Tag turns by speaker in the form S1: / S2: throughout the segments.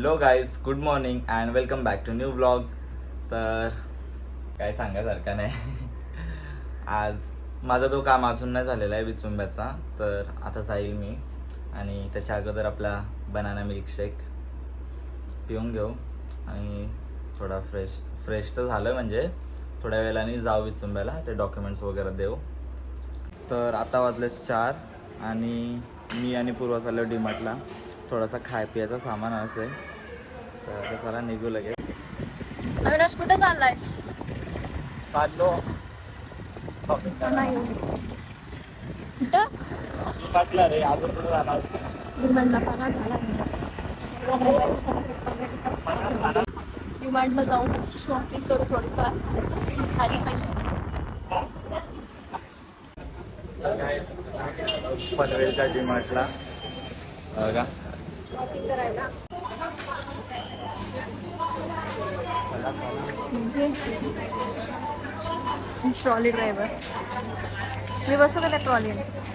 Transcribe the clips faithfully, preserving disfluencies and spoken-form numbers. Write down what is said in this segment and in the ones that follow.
S1: Hello guys, good morning and welcome back to new blog. तर काय सांगायसारखं नाही. आज माझा तो काम अजून नाही झालेला आहे विचुंब्याचा, तर आता जाईल मी आणि त्याच्या अगोदर आपला बनाना मिल्कशेक पिऊन घेऊ आणि थोडा फ्रेश फ्रेश तर झालं, म्हणजे थोड्या वेळाने जाऊ विचुंब्याला, ते डॉक्युमेंट्स वगैरे देऊ. तर आता वाजले चार आणि मी आणि पूर्वा चाललो डीमार्टला. थोडासा खाय पियाचा सामान असेल, तर आता चला निघू लगेच.
S2: अविनाश कुठे चाललाय?
S1: चाललो
S2: नाही कुठं?
S1: डीमार्टला रे, अजून कुठं जाणार?
S2: डिमांडला पगार झाला. डिमांडला जाऊन शॉपिंग करू थोडीफार आणि पैसे
S1: पनवेलच्या डीमार्टला बघा
S2: शॉपिंग करायला. ट्रॉली ड्रायव्हर मी बसवलं त्या ट्रॉली.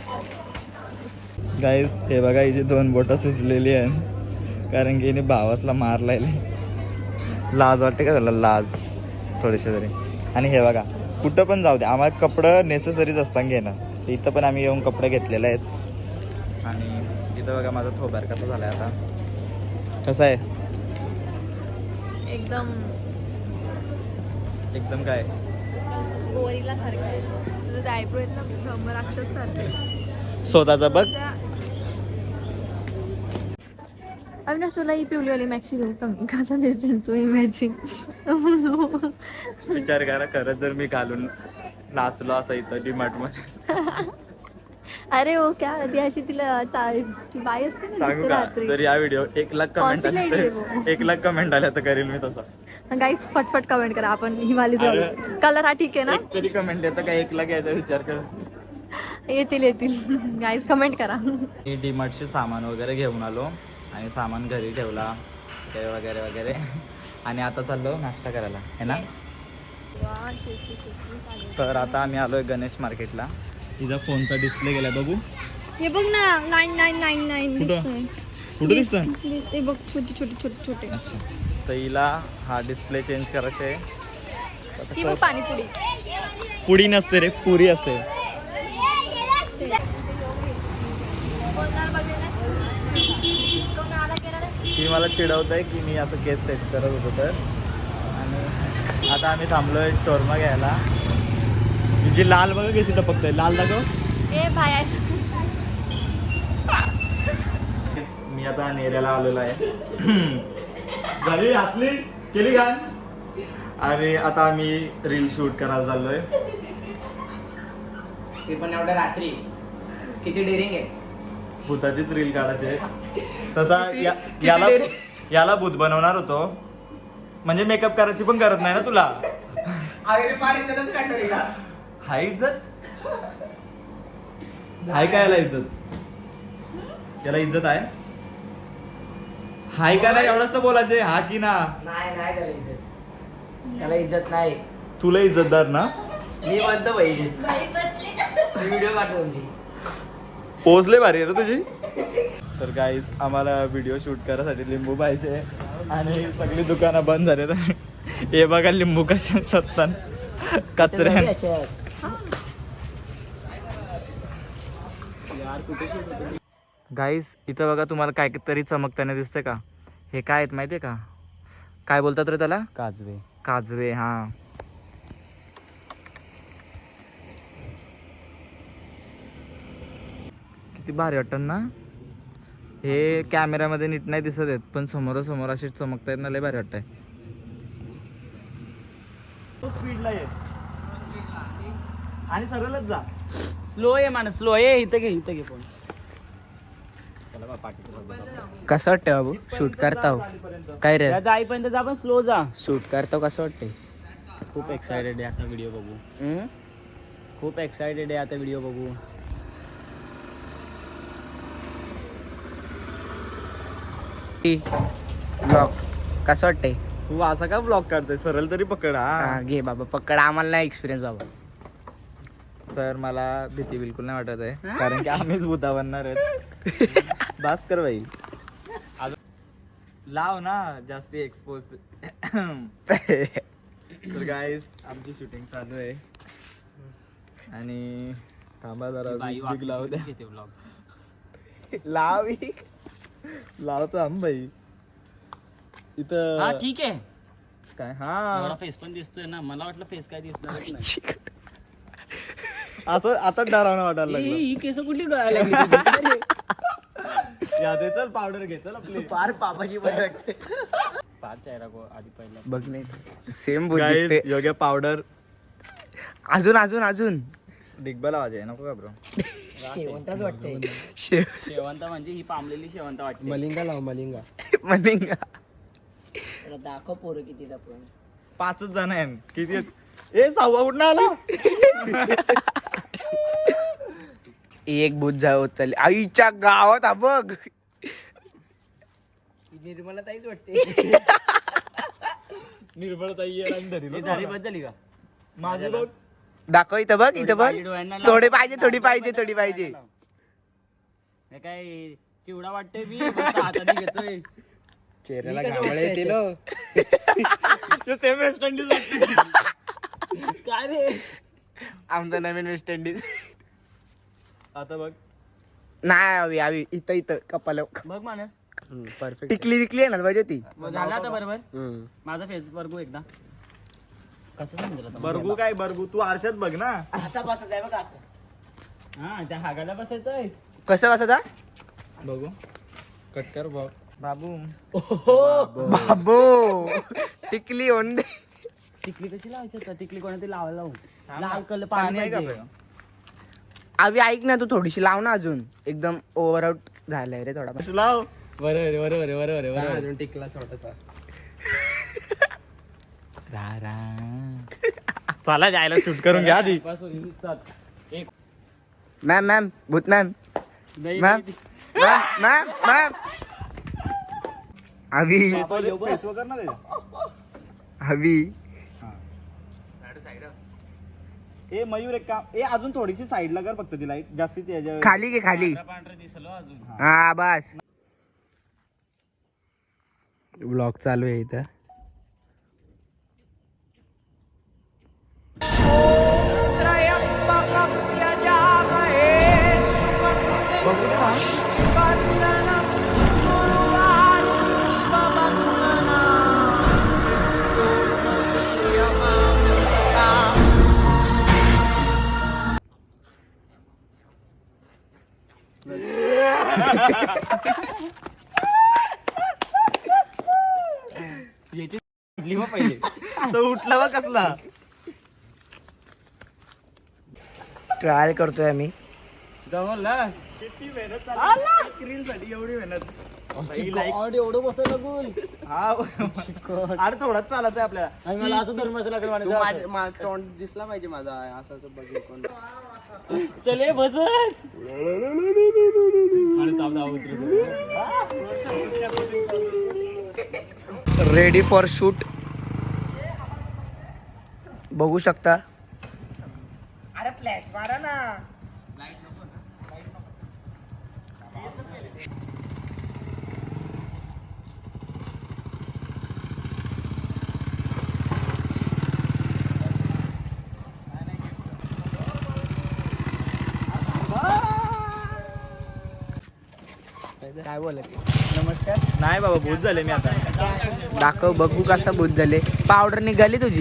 S1: गाईज हे बघा, हिची दोन बोटं सुचलेली आहे कारण की हिने भावासला मारलाय. लाज वाटते का त्याला? लाज थोडीशी तरी. आणि हे बघा, कुठं पण जाऊ दे, आम्हाला कपडं नेसेसरीच असतात घेणं. इथं पण आम्ही येऊन कपडे घेतलेले आहेत. आणि इथं बघा माझा थोबार कसा झाला आहे आता. कसं आहे?
S2: एकदम
S1: एकदम काय
S2: गोरीला सारखं आहे. तुझं ते आयब्रो आहेत ना, ब्रह्मराक्षस सारखे.
S1: स्वतःचा बघ.
S2: अविनाश तुला ही पिवलीवाली मॅक्सी घेऊ का मी? कसा दिसतो तू मॅचिंग?
S1: विचार करा, खरंच जर मी घालून नाचलो असं इथं डीमार्ट मध्ये.
S2: अरे हो क्या ती अशी तिला चा- ती बाई असते ना,
S1: सांगू
S2: दिसते
S1: का,
S2: रात्री.
S1: जर या व्हिडिओ एक लाख कमेंट आले
S2: Consignment आहे वो.
S1: तर एक लाख कमेंट आल्या तर करेल मी तसा.
S2: गाईज फटफट कमेंट करा. आपण हिमालय जाऊ.
S1: अरे.
S2: कलर हा ठीक आहे ना?
S1: एक तरी कमेंट येतं का? एक लाख यायचा विचार कर.
S2: येतील येतील. गाईज कमेंट करा.
S1: मी डीमार्टचे सामान वगैरे घेऊन आलो आणि सामान घरी ठेवला वगैरे वगैरे वगैरे आणि आता चाललो नाश्ता करायला, है ना? तर आता आम्ही आलोय गणेश मार्केटला. तिचा फोनचा डिस्प्ले गेलाय, बघू.
S2: हे बघ ना, नाईन नाईन नाईन नाईन
S1: कुठं?
S2: दिसतोय.
S1: कुठं दिसतं?
S2: दिसते बघ, छोटे छोटे छोटे छोटे.
S1: अच्छा, तर हिला हा डिस्प्ले चेंज करायचा आहे.
S2: ही बघ पाणीपुरी.
S1: पुडी नसते रे, पुरी असते. ती मला चिडवत आहे की मी असं केस सेट करत होतो तर. आणि आता आम्ही थांबलोय शोरमा घ्यायला. जी लाल बघा कशी टपकतंय, लाल दाखव.
S2: ए भाई
S1: मी आता नेऱ्याला आलेलो आहे. झाली हसली केली घाण. आणि आता आम्ही रील शूट करायला चाललोय.
S3: ते पण एवढ्या रात्री किती डेअरिंग आहे.
S1: भूताचीच रील काढायचे. तसा या- याला याला भूत बनवणार होतो, म्हणजे मेकअप करायची पण करत नाही ना तुला. हाय इज्जत, हाय काय याला इज्जत? याला इज्जत आहे? हाय का नाही एवढंच तर बोलायचे. हा की ना?
S3: नाही नाही त्याला इज्जत, त्याला इज्जत नाही.
S1: तुला इज्जतदार ना?
S3: मी म्हणतो बाई इज्जत. मी व्हिडिओ काढतो तुमची.
S1: पोचले भारी आहे रे तुझी. तर गाईज आम्हाला व्हिडिओ शूट करायसाठी लिंबू पाहिजे आणि सगळी दुकानं बंद झाले. हे बघा लिंबू कशा शोधतात कचऱ्या. गाईज इथं बघा, तुम्हाला काय तरी चमकताना दिसतंय का? हे काय आहेत माहितीये का? काय बोलतात रे त्याला?
S3: काजवे.
S1: काजवे. हा, किती भारी वाटतं ना हे. कॅमेऱ्यामध्ये नीट नाही दिसत आहेत, पण समोरासमोर असे चमकता येत ना, लय भारी वाटतंय. स्पीडला ये आणि सरळच जा.
S3: स्लो आहे माणूस, स्लो आहे. इथं घे, इथं घे फोन.
S4: कसं वाटतं बाबू शूट करता हो? काय रे
S3: जाईपर्यंत जा, पण स्लो जा.
S4: शूट करता कसं वाटतंय?
S3: खूप एक्सायटेड आहे आता व्हिडिओ बघू. खूप एक्सायटेड आहे आता व्हिडिओ बघू.
S4: ब्लॉग कसं वाटतंय?
S1: तू असा का ब्लॉग काढतोय? सरळ तरी पकड.
S4: हा,
S1: हा,
S4: घे बाबा पकड, आम्हाला नाही एक्सपिरियन्स बाबा.
S1: तर मला भीती बिलकुल नाही वाटत आहे, कारण की आम्हीच भूता बनणार आहेत. भास्कर भाई लाव ना जास्ती एक्सपोज. तर गाईस आमची शूटिंग चालू आहे आणि थांबा जरा
S3: बाई
S1: बिग लावू द्या.
S3: घेते vlog.
S1: लाव लावतो आम भाई
S3: हा
S1: इथं
S3: ठीक आहे.
S1: काय
S3: एवढा
S1: हा
S3: फेस पण दिसतोय ना, मला वाटलं फेस काय दिसणार नाही.
S1: असं आता डरावणं वाटायला
S3: ए,
S1: लागलं.
S3: ही केस कुठली गळायला लागली तुझी? अरे,
S1: यादे चल पावडर घे चल आपली.
S3: फार पापाची पण लागते. फार चेहरा गो आधी पहिला.
S4: बघ नाही सेम बोल
S1: Guys,
S4: दिसते.
S1: योग्य पावडर
S4: अजून अजून अजून
S1: डिग्बल आवाज आहे नको का ब्रो.
S3: शेवंताच वाटते.
S4: शेव
S3: शेवंता म्हणजे ही पांबलेली शेवंता वाटते.
S5: मलिंगा लाव मलिंगा.
S4: मलिंगा.
S3: दाखव पोरं किती दाखव.
S1: पाचच जण आहे किती आहेत? ए सहावा कुठं आला.
S4: एक बुध जावत चालली आईच्या गावात हा बघ.
S3: निर्मला ताईच वाटते.
S1: निर्मळ ताई आहे आणि धरी
S3: हे झाली बस झाली का?
S1: माझी बघ
S4: दाखव इथं बघ इथं बघ.
S3: थोडी डोळ्यांना लाव.
S4: थोडी पाहिजे थोडी पाहिजे थोडी पाहिजे.
S3: हे काय चिवडा वाटतोय मी फक्त हाताने घेतोय.
S5: चेहऱ्याला घामळे येतील हो.
S1: सेम वेस्ट इंडिज
S3: काय रे?
S4: आमचं नवीन वेस्ट इंडिज.
S1: आता बघ
S4: नाही हवी हवी इथं इथं कपाल
S3: बघ मानस.
S5: परफेक्ट.
S4: टिकली विकली आहे ना पाहिजे ती.
S3: मग झालं आता बरोबर. माझा फेस बघू एकदा. कसं समजेल आता?
S1: बरगू काय बरगू तू आरशात बघ ना.
S3: असा बसायचं आहे बघ असं. हा त्या हागाला बसायचं आहे.
S4: कसं बसता
S1: बघू
S5: कट कर बघ.
S1: बाबू
S4: बाबो टिकली ओन दे.
S3: टिकली कशी लावायची आता? टिकली कोणातरी लावायला लावू.
S1: हा,
S3: लाल कलर
S1: पाणी
S3: पाणी
S1: आहे का
S3: पाहिजे.
S1: बघ?
S4: अवी ऐक ना तू थोडीशी लाव ना अजून. एकदम ओव्हर आउट झालाय रे थोडा.
S1: तू लाव.
S3: बरोबर आहे, बरोबर आहे, बरोबर आहे, बरोबर आहे.
S5: अजून टिकला छोटासा.
S1: चला जायला शूट करून घ्या आधी.
S3: पासून दिसतात. एक
S4: मॅम मॅम भूत मॅम
S3: नाही,
S4: मॅम
S3: नाही.
S4: मॅम मॅम मॅम अवी
S3: बाबा, येऊ बघ.
S1: फेस वगैरे ना त्याच्या.
S4: हवी
S1: ए मयूर एक काम ए अजून थोडीशी साईडला कर फक्त ती लाईट जास्तीच याच्या
S4: खाली घे खाली.
S3: पांढरं पांढरं दिसलो अजून.
S4: हा बस.
S5: ब्लॉग चालू आहे इथं.
S3: याची उठली मग पहिले.
S1: तो उठला बा कसला.
S4: ट्रायल करतोय आम्ही.
S3: जमल ना.
S1: किती मेहनत चालू रील साठी एवढी मेहनत. बाई, like-
S3: God, एवढं बसायला लागून.
S1: हा अरे थोडाच चालत आहे आपल्याला.
S3: आणि मला असं धर्माचं लागलं
S5: तू
S3: म्हणायचं.
S5: माझ्या- माझा तोंड दिसला पाहिजे माझा असं बघ कोण.
S3: चल ये, बस बस. आणि थांब, थांब, उतरू.
S4: रेडी फॉर शूट बघू शकता. अरे फ्लॅश मारा ना. काय बोलत
S1: नमस्कार. नाही बाबा भूत झाले मी आता.
S4: दाखव बघू कसा बुध झाले. पावडर निघाली तुझी.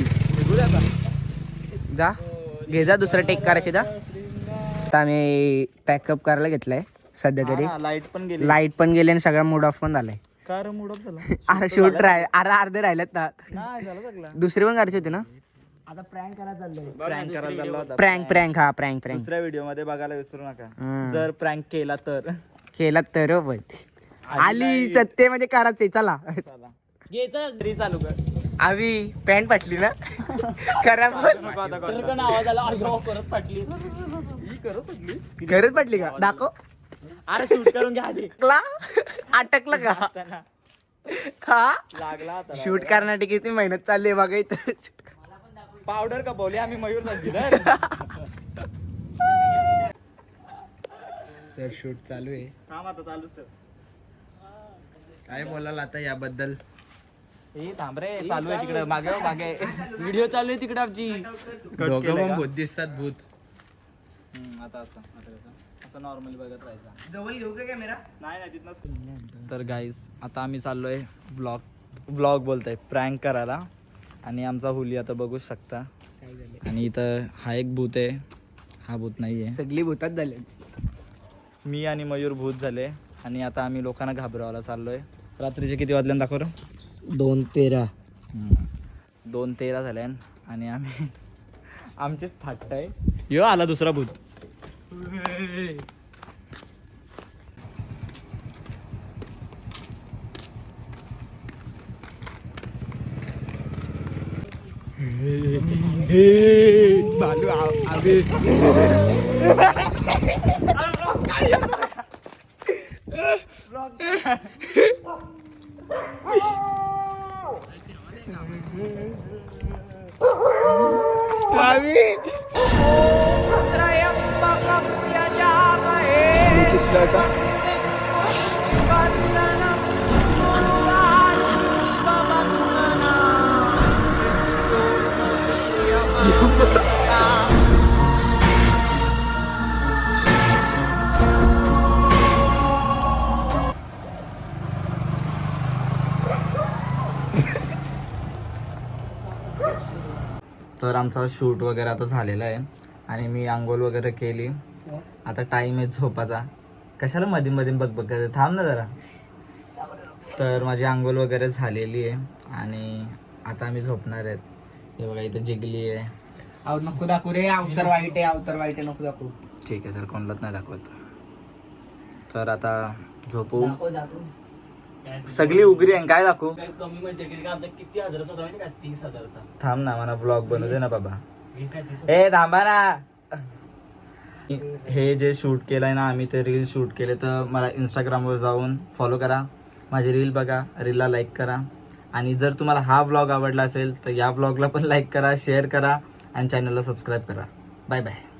S4: जा घे जा दुसरं टेक करायचे जा. आता आम्ही पॅकअप करायला घेतलाय सध्या तरी.
S1: लाईट पण गेली.
S4: लाईट पण गेली आणि सगळा मूड ऑफ पण झालाय.
S1: कार मूड ऑफ झाला.
S4: अरे शूट राह अरे अर्धे राहिलेत ना.
S1: नाही झालं सगळं.
S4: दुसरे पण करायचे होते ना.
S3: आता प्रँक करायला चाललंय.
S1: प्रँक करायला चालला होता.
S4: प्रँक प्रँक हा प्रँक प्रँक
S1: दुसऱ्या व्हिडिओ मध्ये बघायला विसरू नका.
S4: हम्म.
S1: जर प्रँक केला तर
S4: केला तर पण आली सत्य म्हणजे करायचंय. चला
S1: चला
S3: घ्यायचं.
S1: तरी चालू कर.
S4: आवी पॅन्ट फाटली ना. करा पण.
S1: नको आता
S3: तर
S1: कर.
S3: पण आवाज आला. अय्यो, परत फाटली.
S1: ही करत होती.
S4: गरज पडली का दाखव.
S1: अरे शूट करून घ्या आधी.
S4: अटकला अटकलं का
S1: त्यांना
S4: हा.
S1: लागला आता.
S4: शूट करण्यासाठी किती मेहनत चालली आहे बघा इथं.
S1: पावडर का बोलले आम्ही मयूर संजीधर.
S5: तर शूट चालू आहे.
S1: थांब आता चालूच ठेव.
S5: काय बोलाल आता याबद्दल?
S1: ए थांब रे, चालू आहे तिकडे मागे हो, मागे.
S3: व्हिडिओ चालू आहे तिकडे आमची.
S5: दोघं
S1: केलंय
S5: पण
S1: का?
S5: भूत दिसतात भूत.
S1: हम्म, आता असं आता कसं असं नॉर्मली बघत राहायचं.
S4: जवळ घेऊ का कॅमेरा?
S1: नाही नाही तिथनंच. तर गाईज आता आम्ही चाललोय ब्लॉग ब्लॉग बोलतोय प्रँक करायला. आणि आमचा हुली आता बघू शकता. आणि इथं हा एक भूत आहे, हा भूत नाही आहे.
S4: सगळी भूतात झाले.
S1: मी आणि मयूर भूत झाले. आणि आता आम्ही लोकांना घाबरवायला चाललोय. रात्रीचे किती वाजल्यानं दाखव रे?
S4: दोन तेरा.
S1: दोन तेरा झाल्या आणि आम्ही आमचेच फाटत आहे. यो आला दुसरा भूत.
S4: बालू आवे.
S1: तर आमचा शूट वगैरे आता झालेला आहे आणि मी आंघोळ वगैरे केली. आता टाइम आहे झोपाचा. कशाला मध्ये मध्ये बघ बघ करते? थांब ना जरा. तर माझी आंघोळ वगैरे झालेली आहे आणि आता आम्ही झोपणार आहेत. हे बघा इथे जिगली आहे.
S4: अहो नको दाखवू रे, अवतर वाईट आहे, अवतर वाईट आहे, नको दाखवू.
S1: ठीक आहे सर, कोणालाच नाही दाखवत. तर आता झोपू.
S4: दाखव दाखव.
S1: सगळी उघडी आहे, काय दाखवू?
S3: काय कमी म्हणजे केली का? आमचा किती हजाराचा होता माहिती का? तीस हजाराचा.
S1: थांब ना, मला ब्लॉग बनवू दे ना बाबा.
S3: वीस काय तीस?
S1: ए थांबा ना. हे जे शूट केलंय ना आम्ही, ते रील शूट केले, तर मला इंस्टाग्रामवर जाऊन फॉलो करा. माझी रील बघा, रीलला लाईक करा. आणि जर तुम्हाला हा व्लॉग आवडला असेल तर या व्लॉगला पण लाईक करा, शेअर करा आणि चॅनलला सबस्क्राईब करा. Bye bye.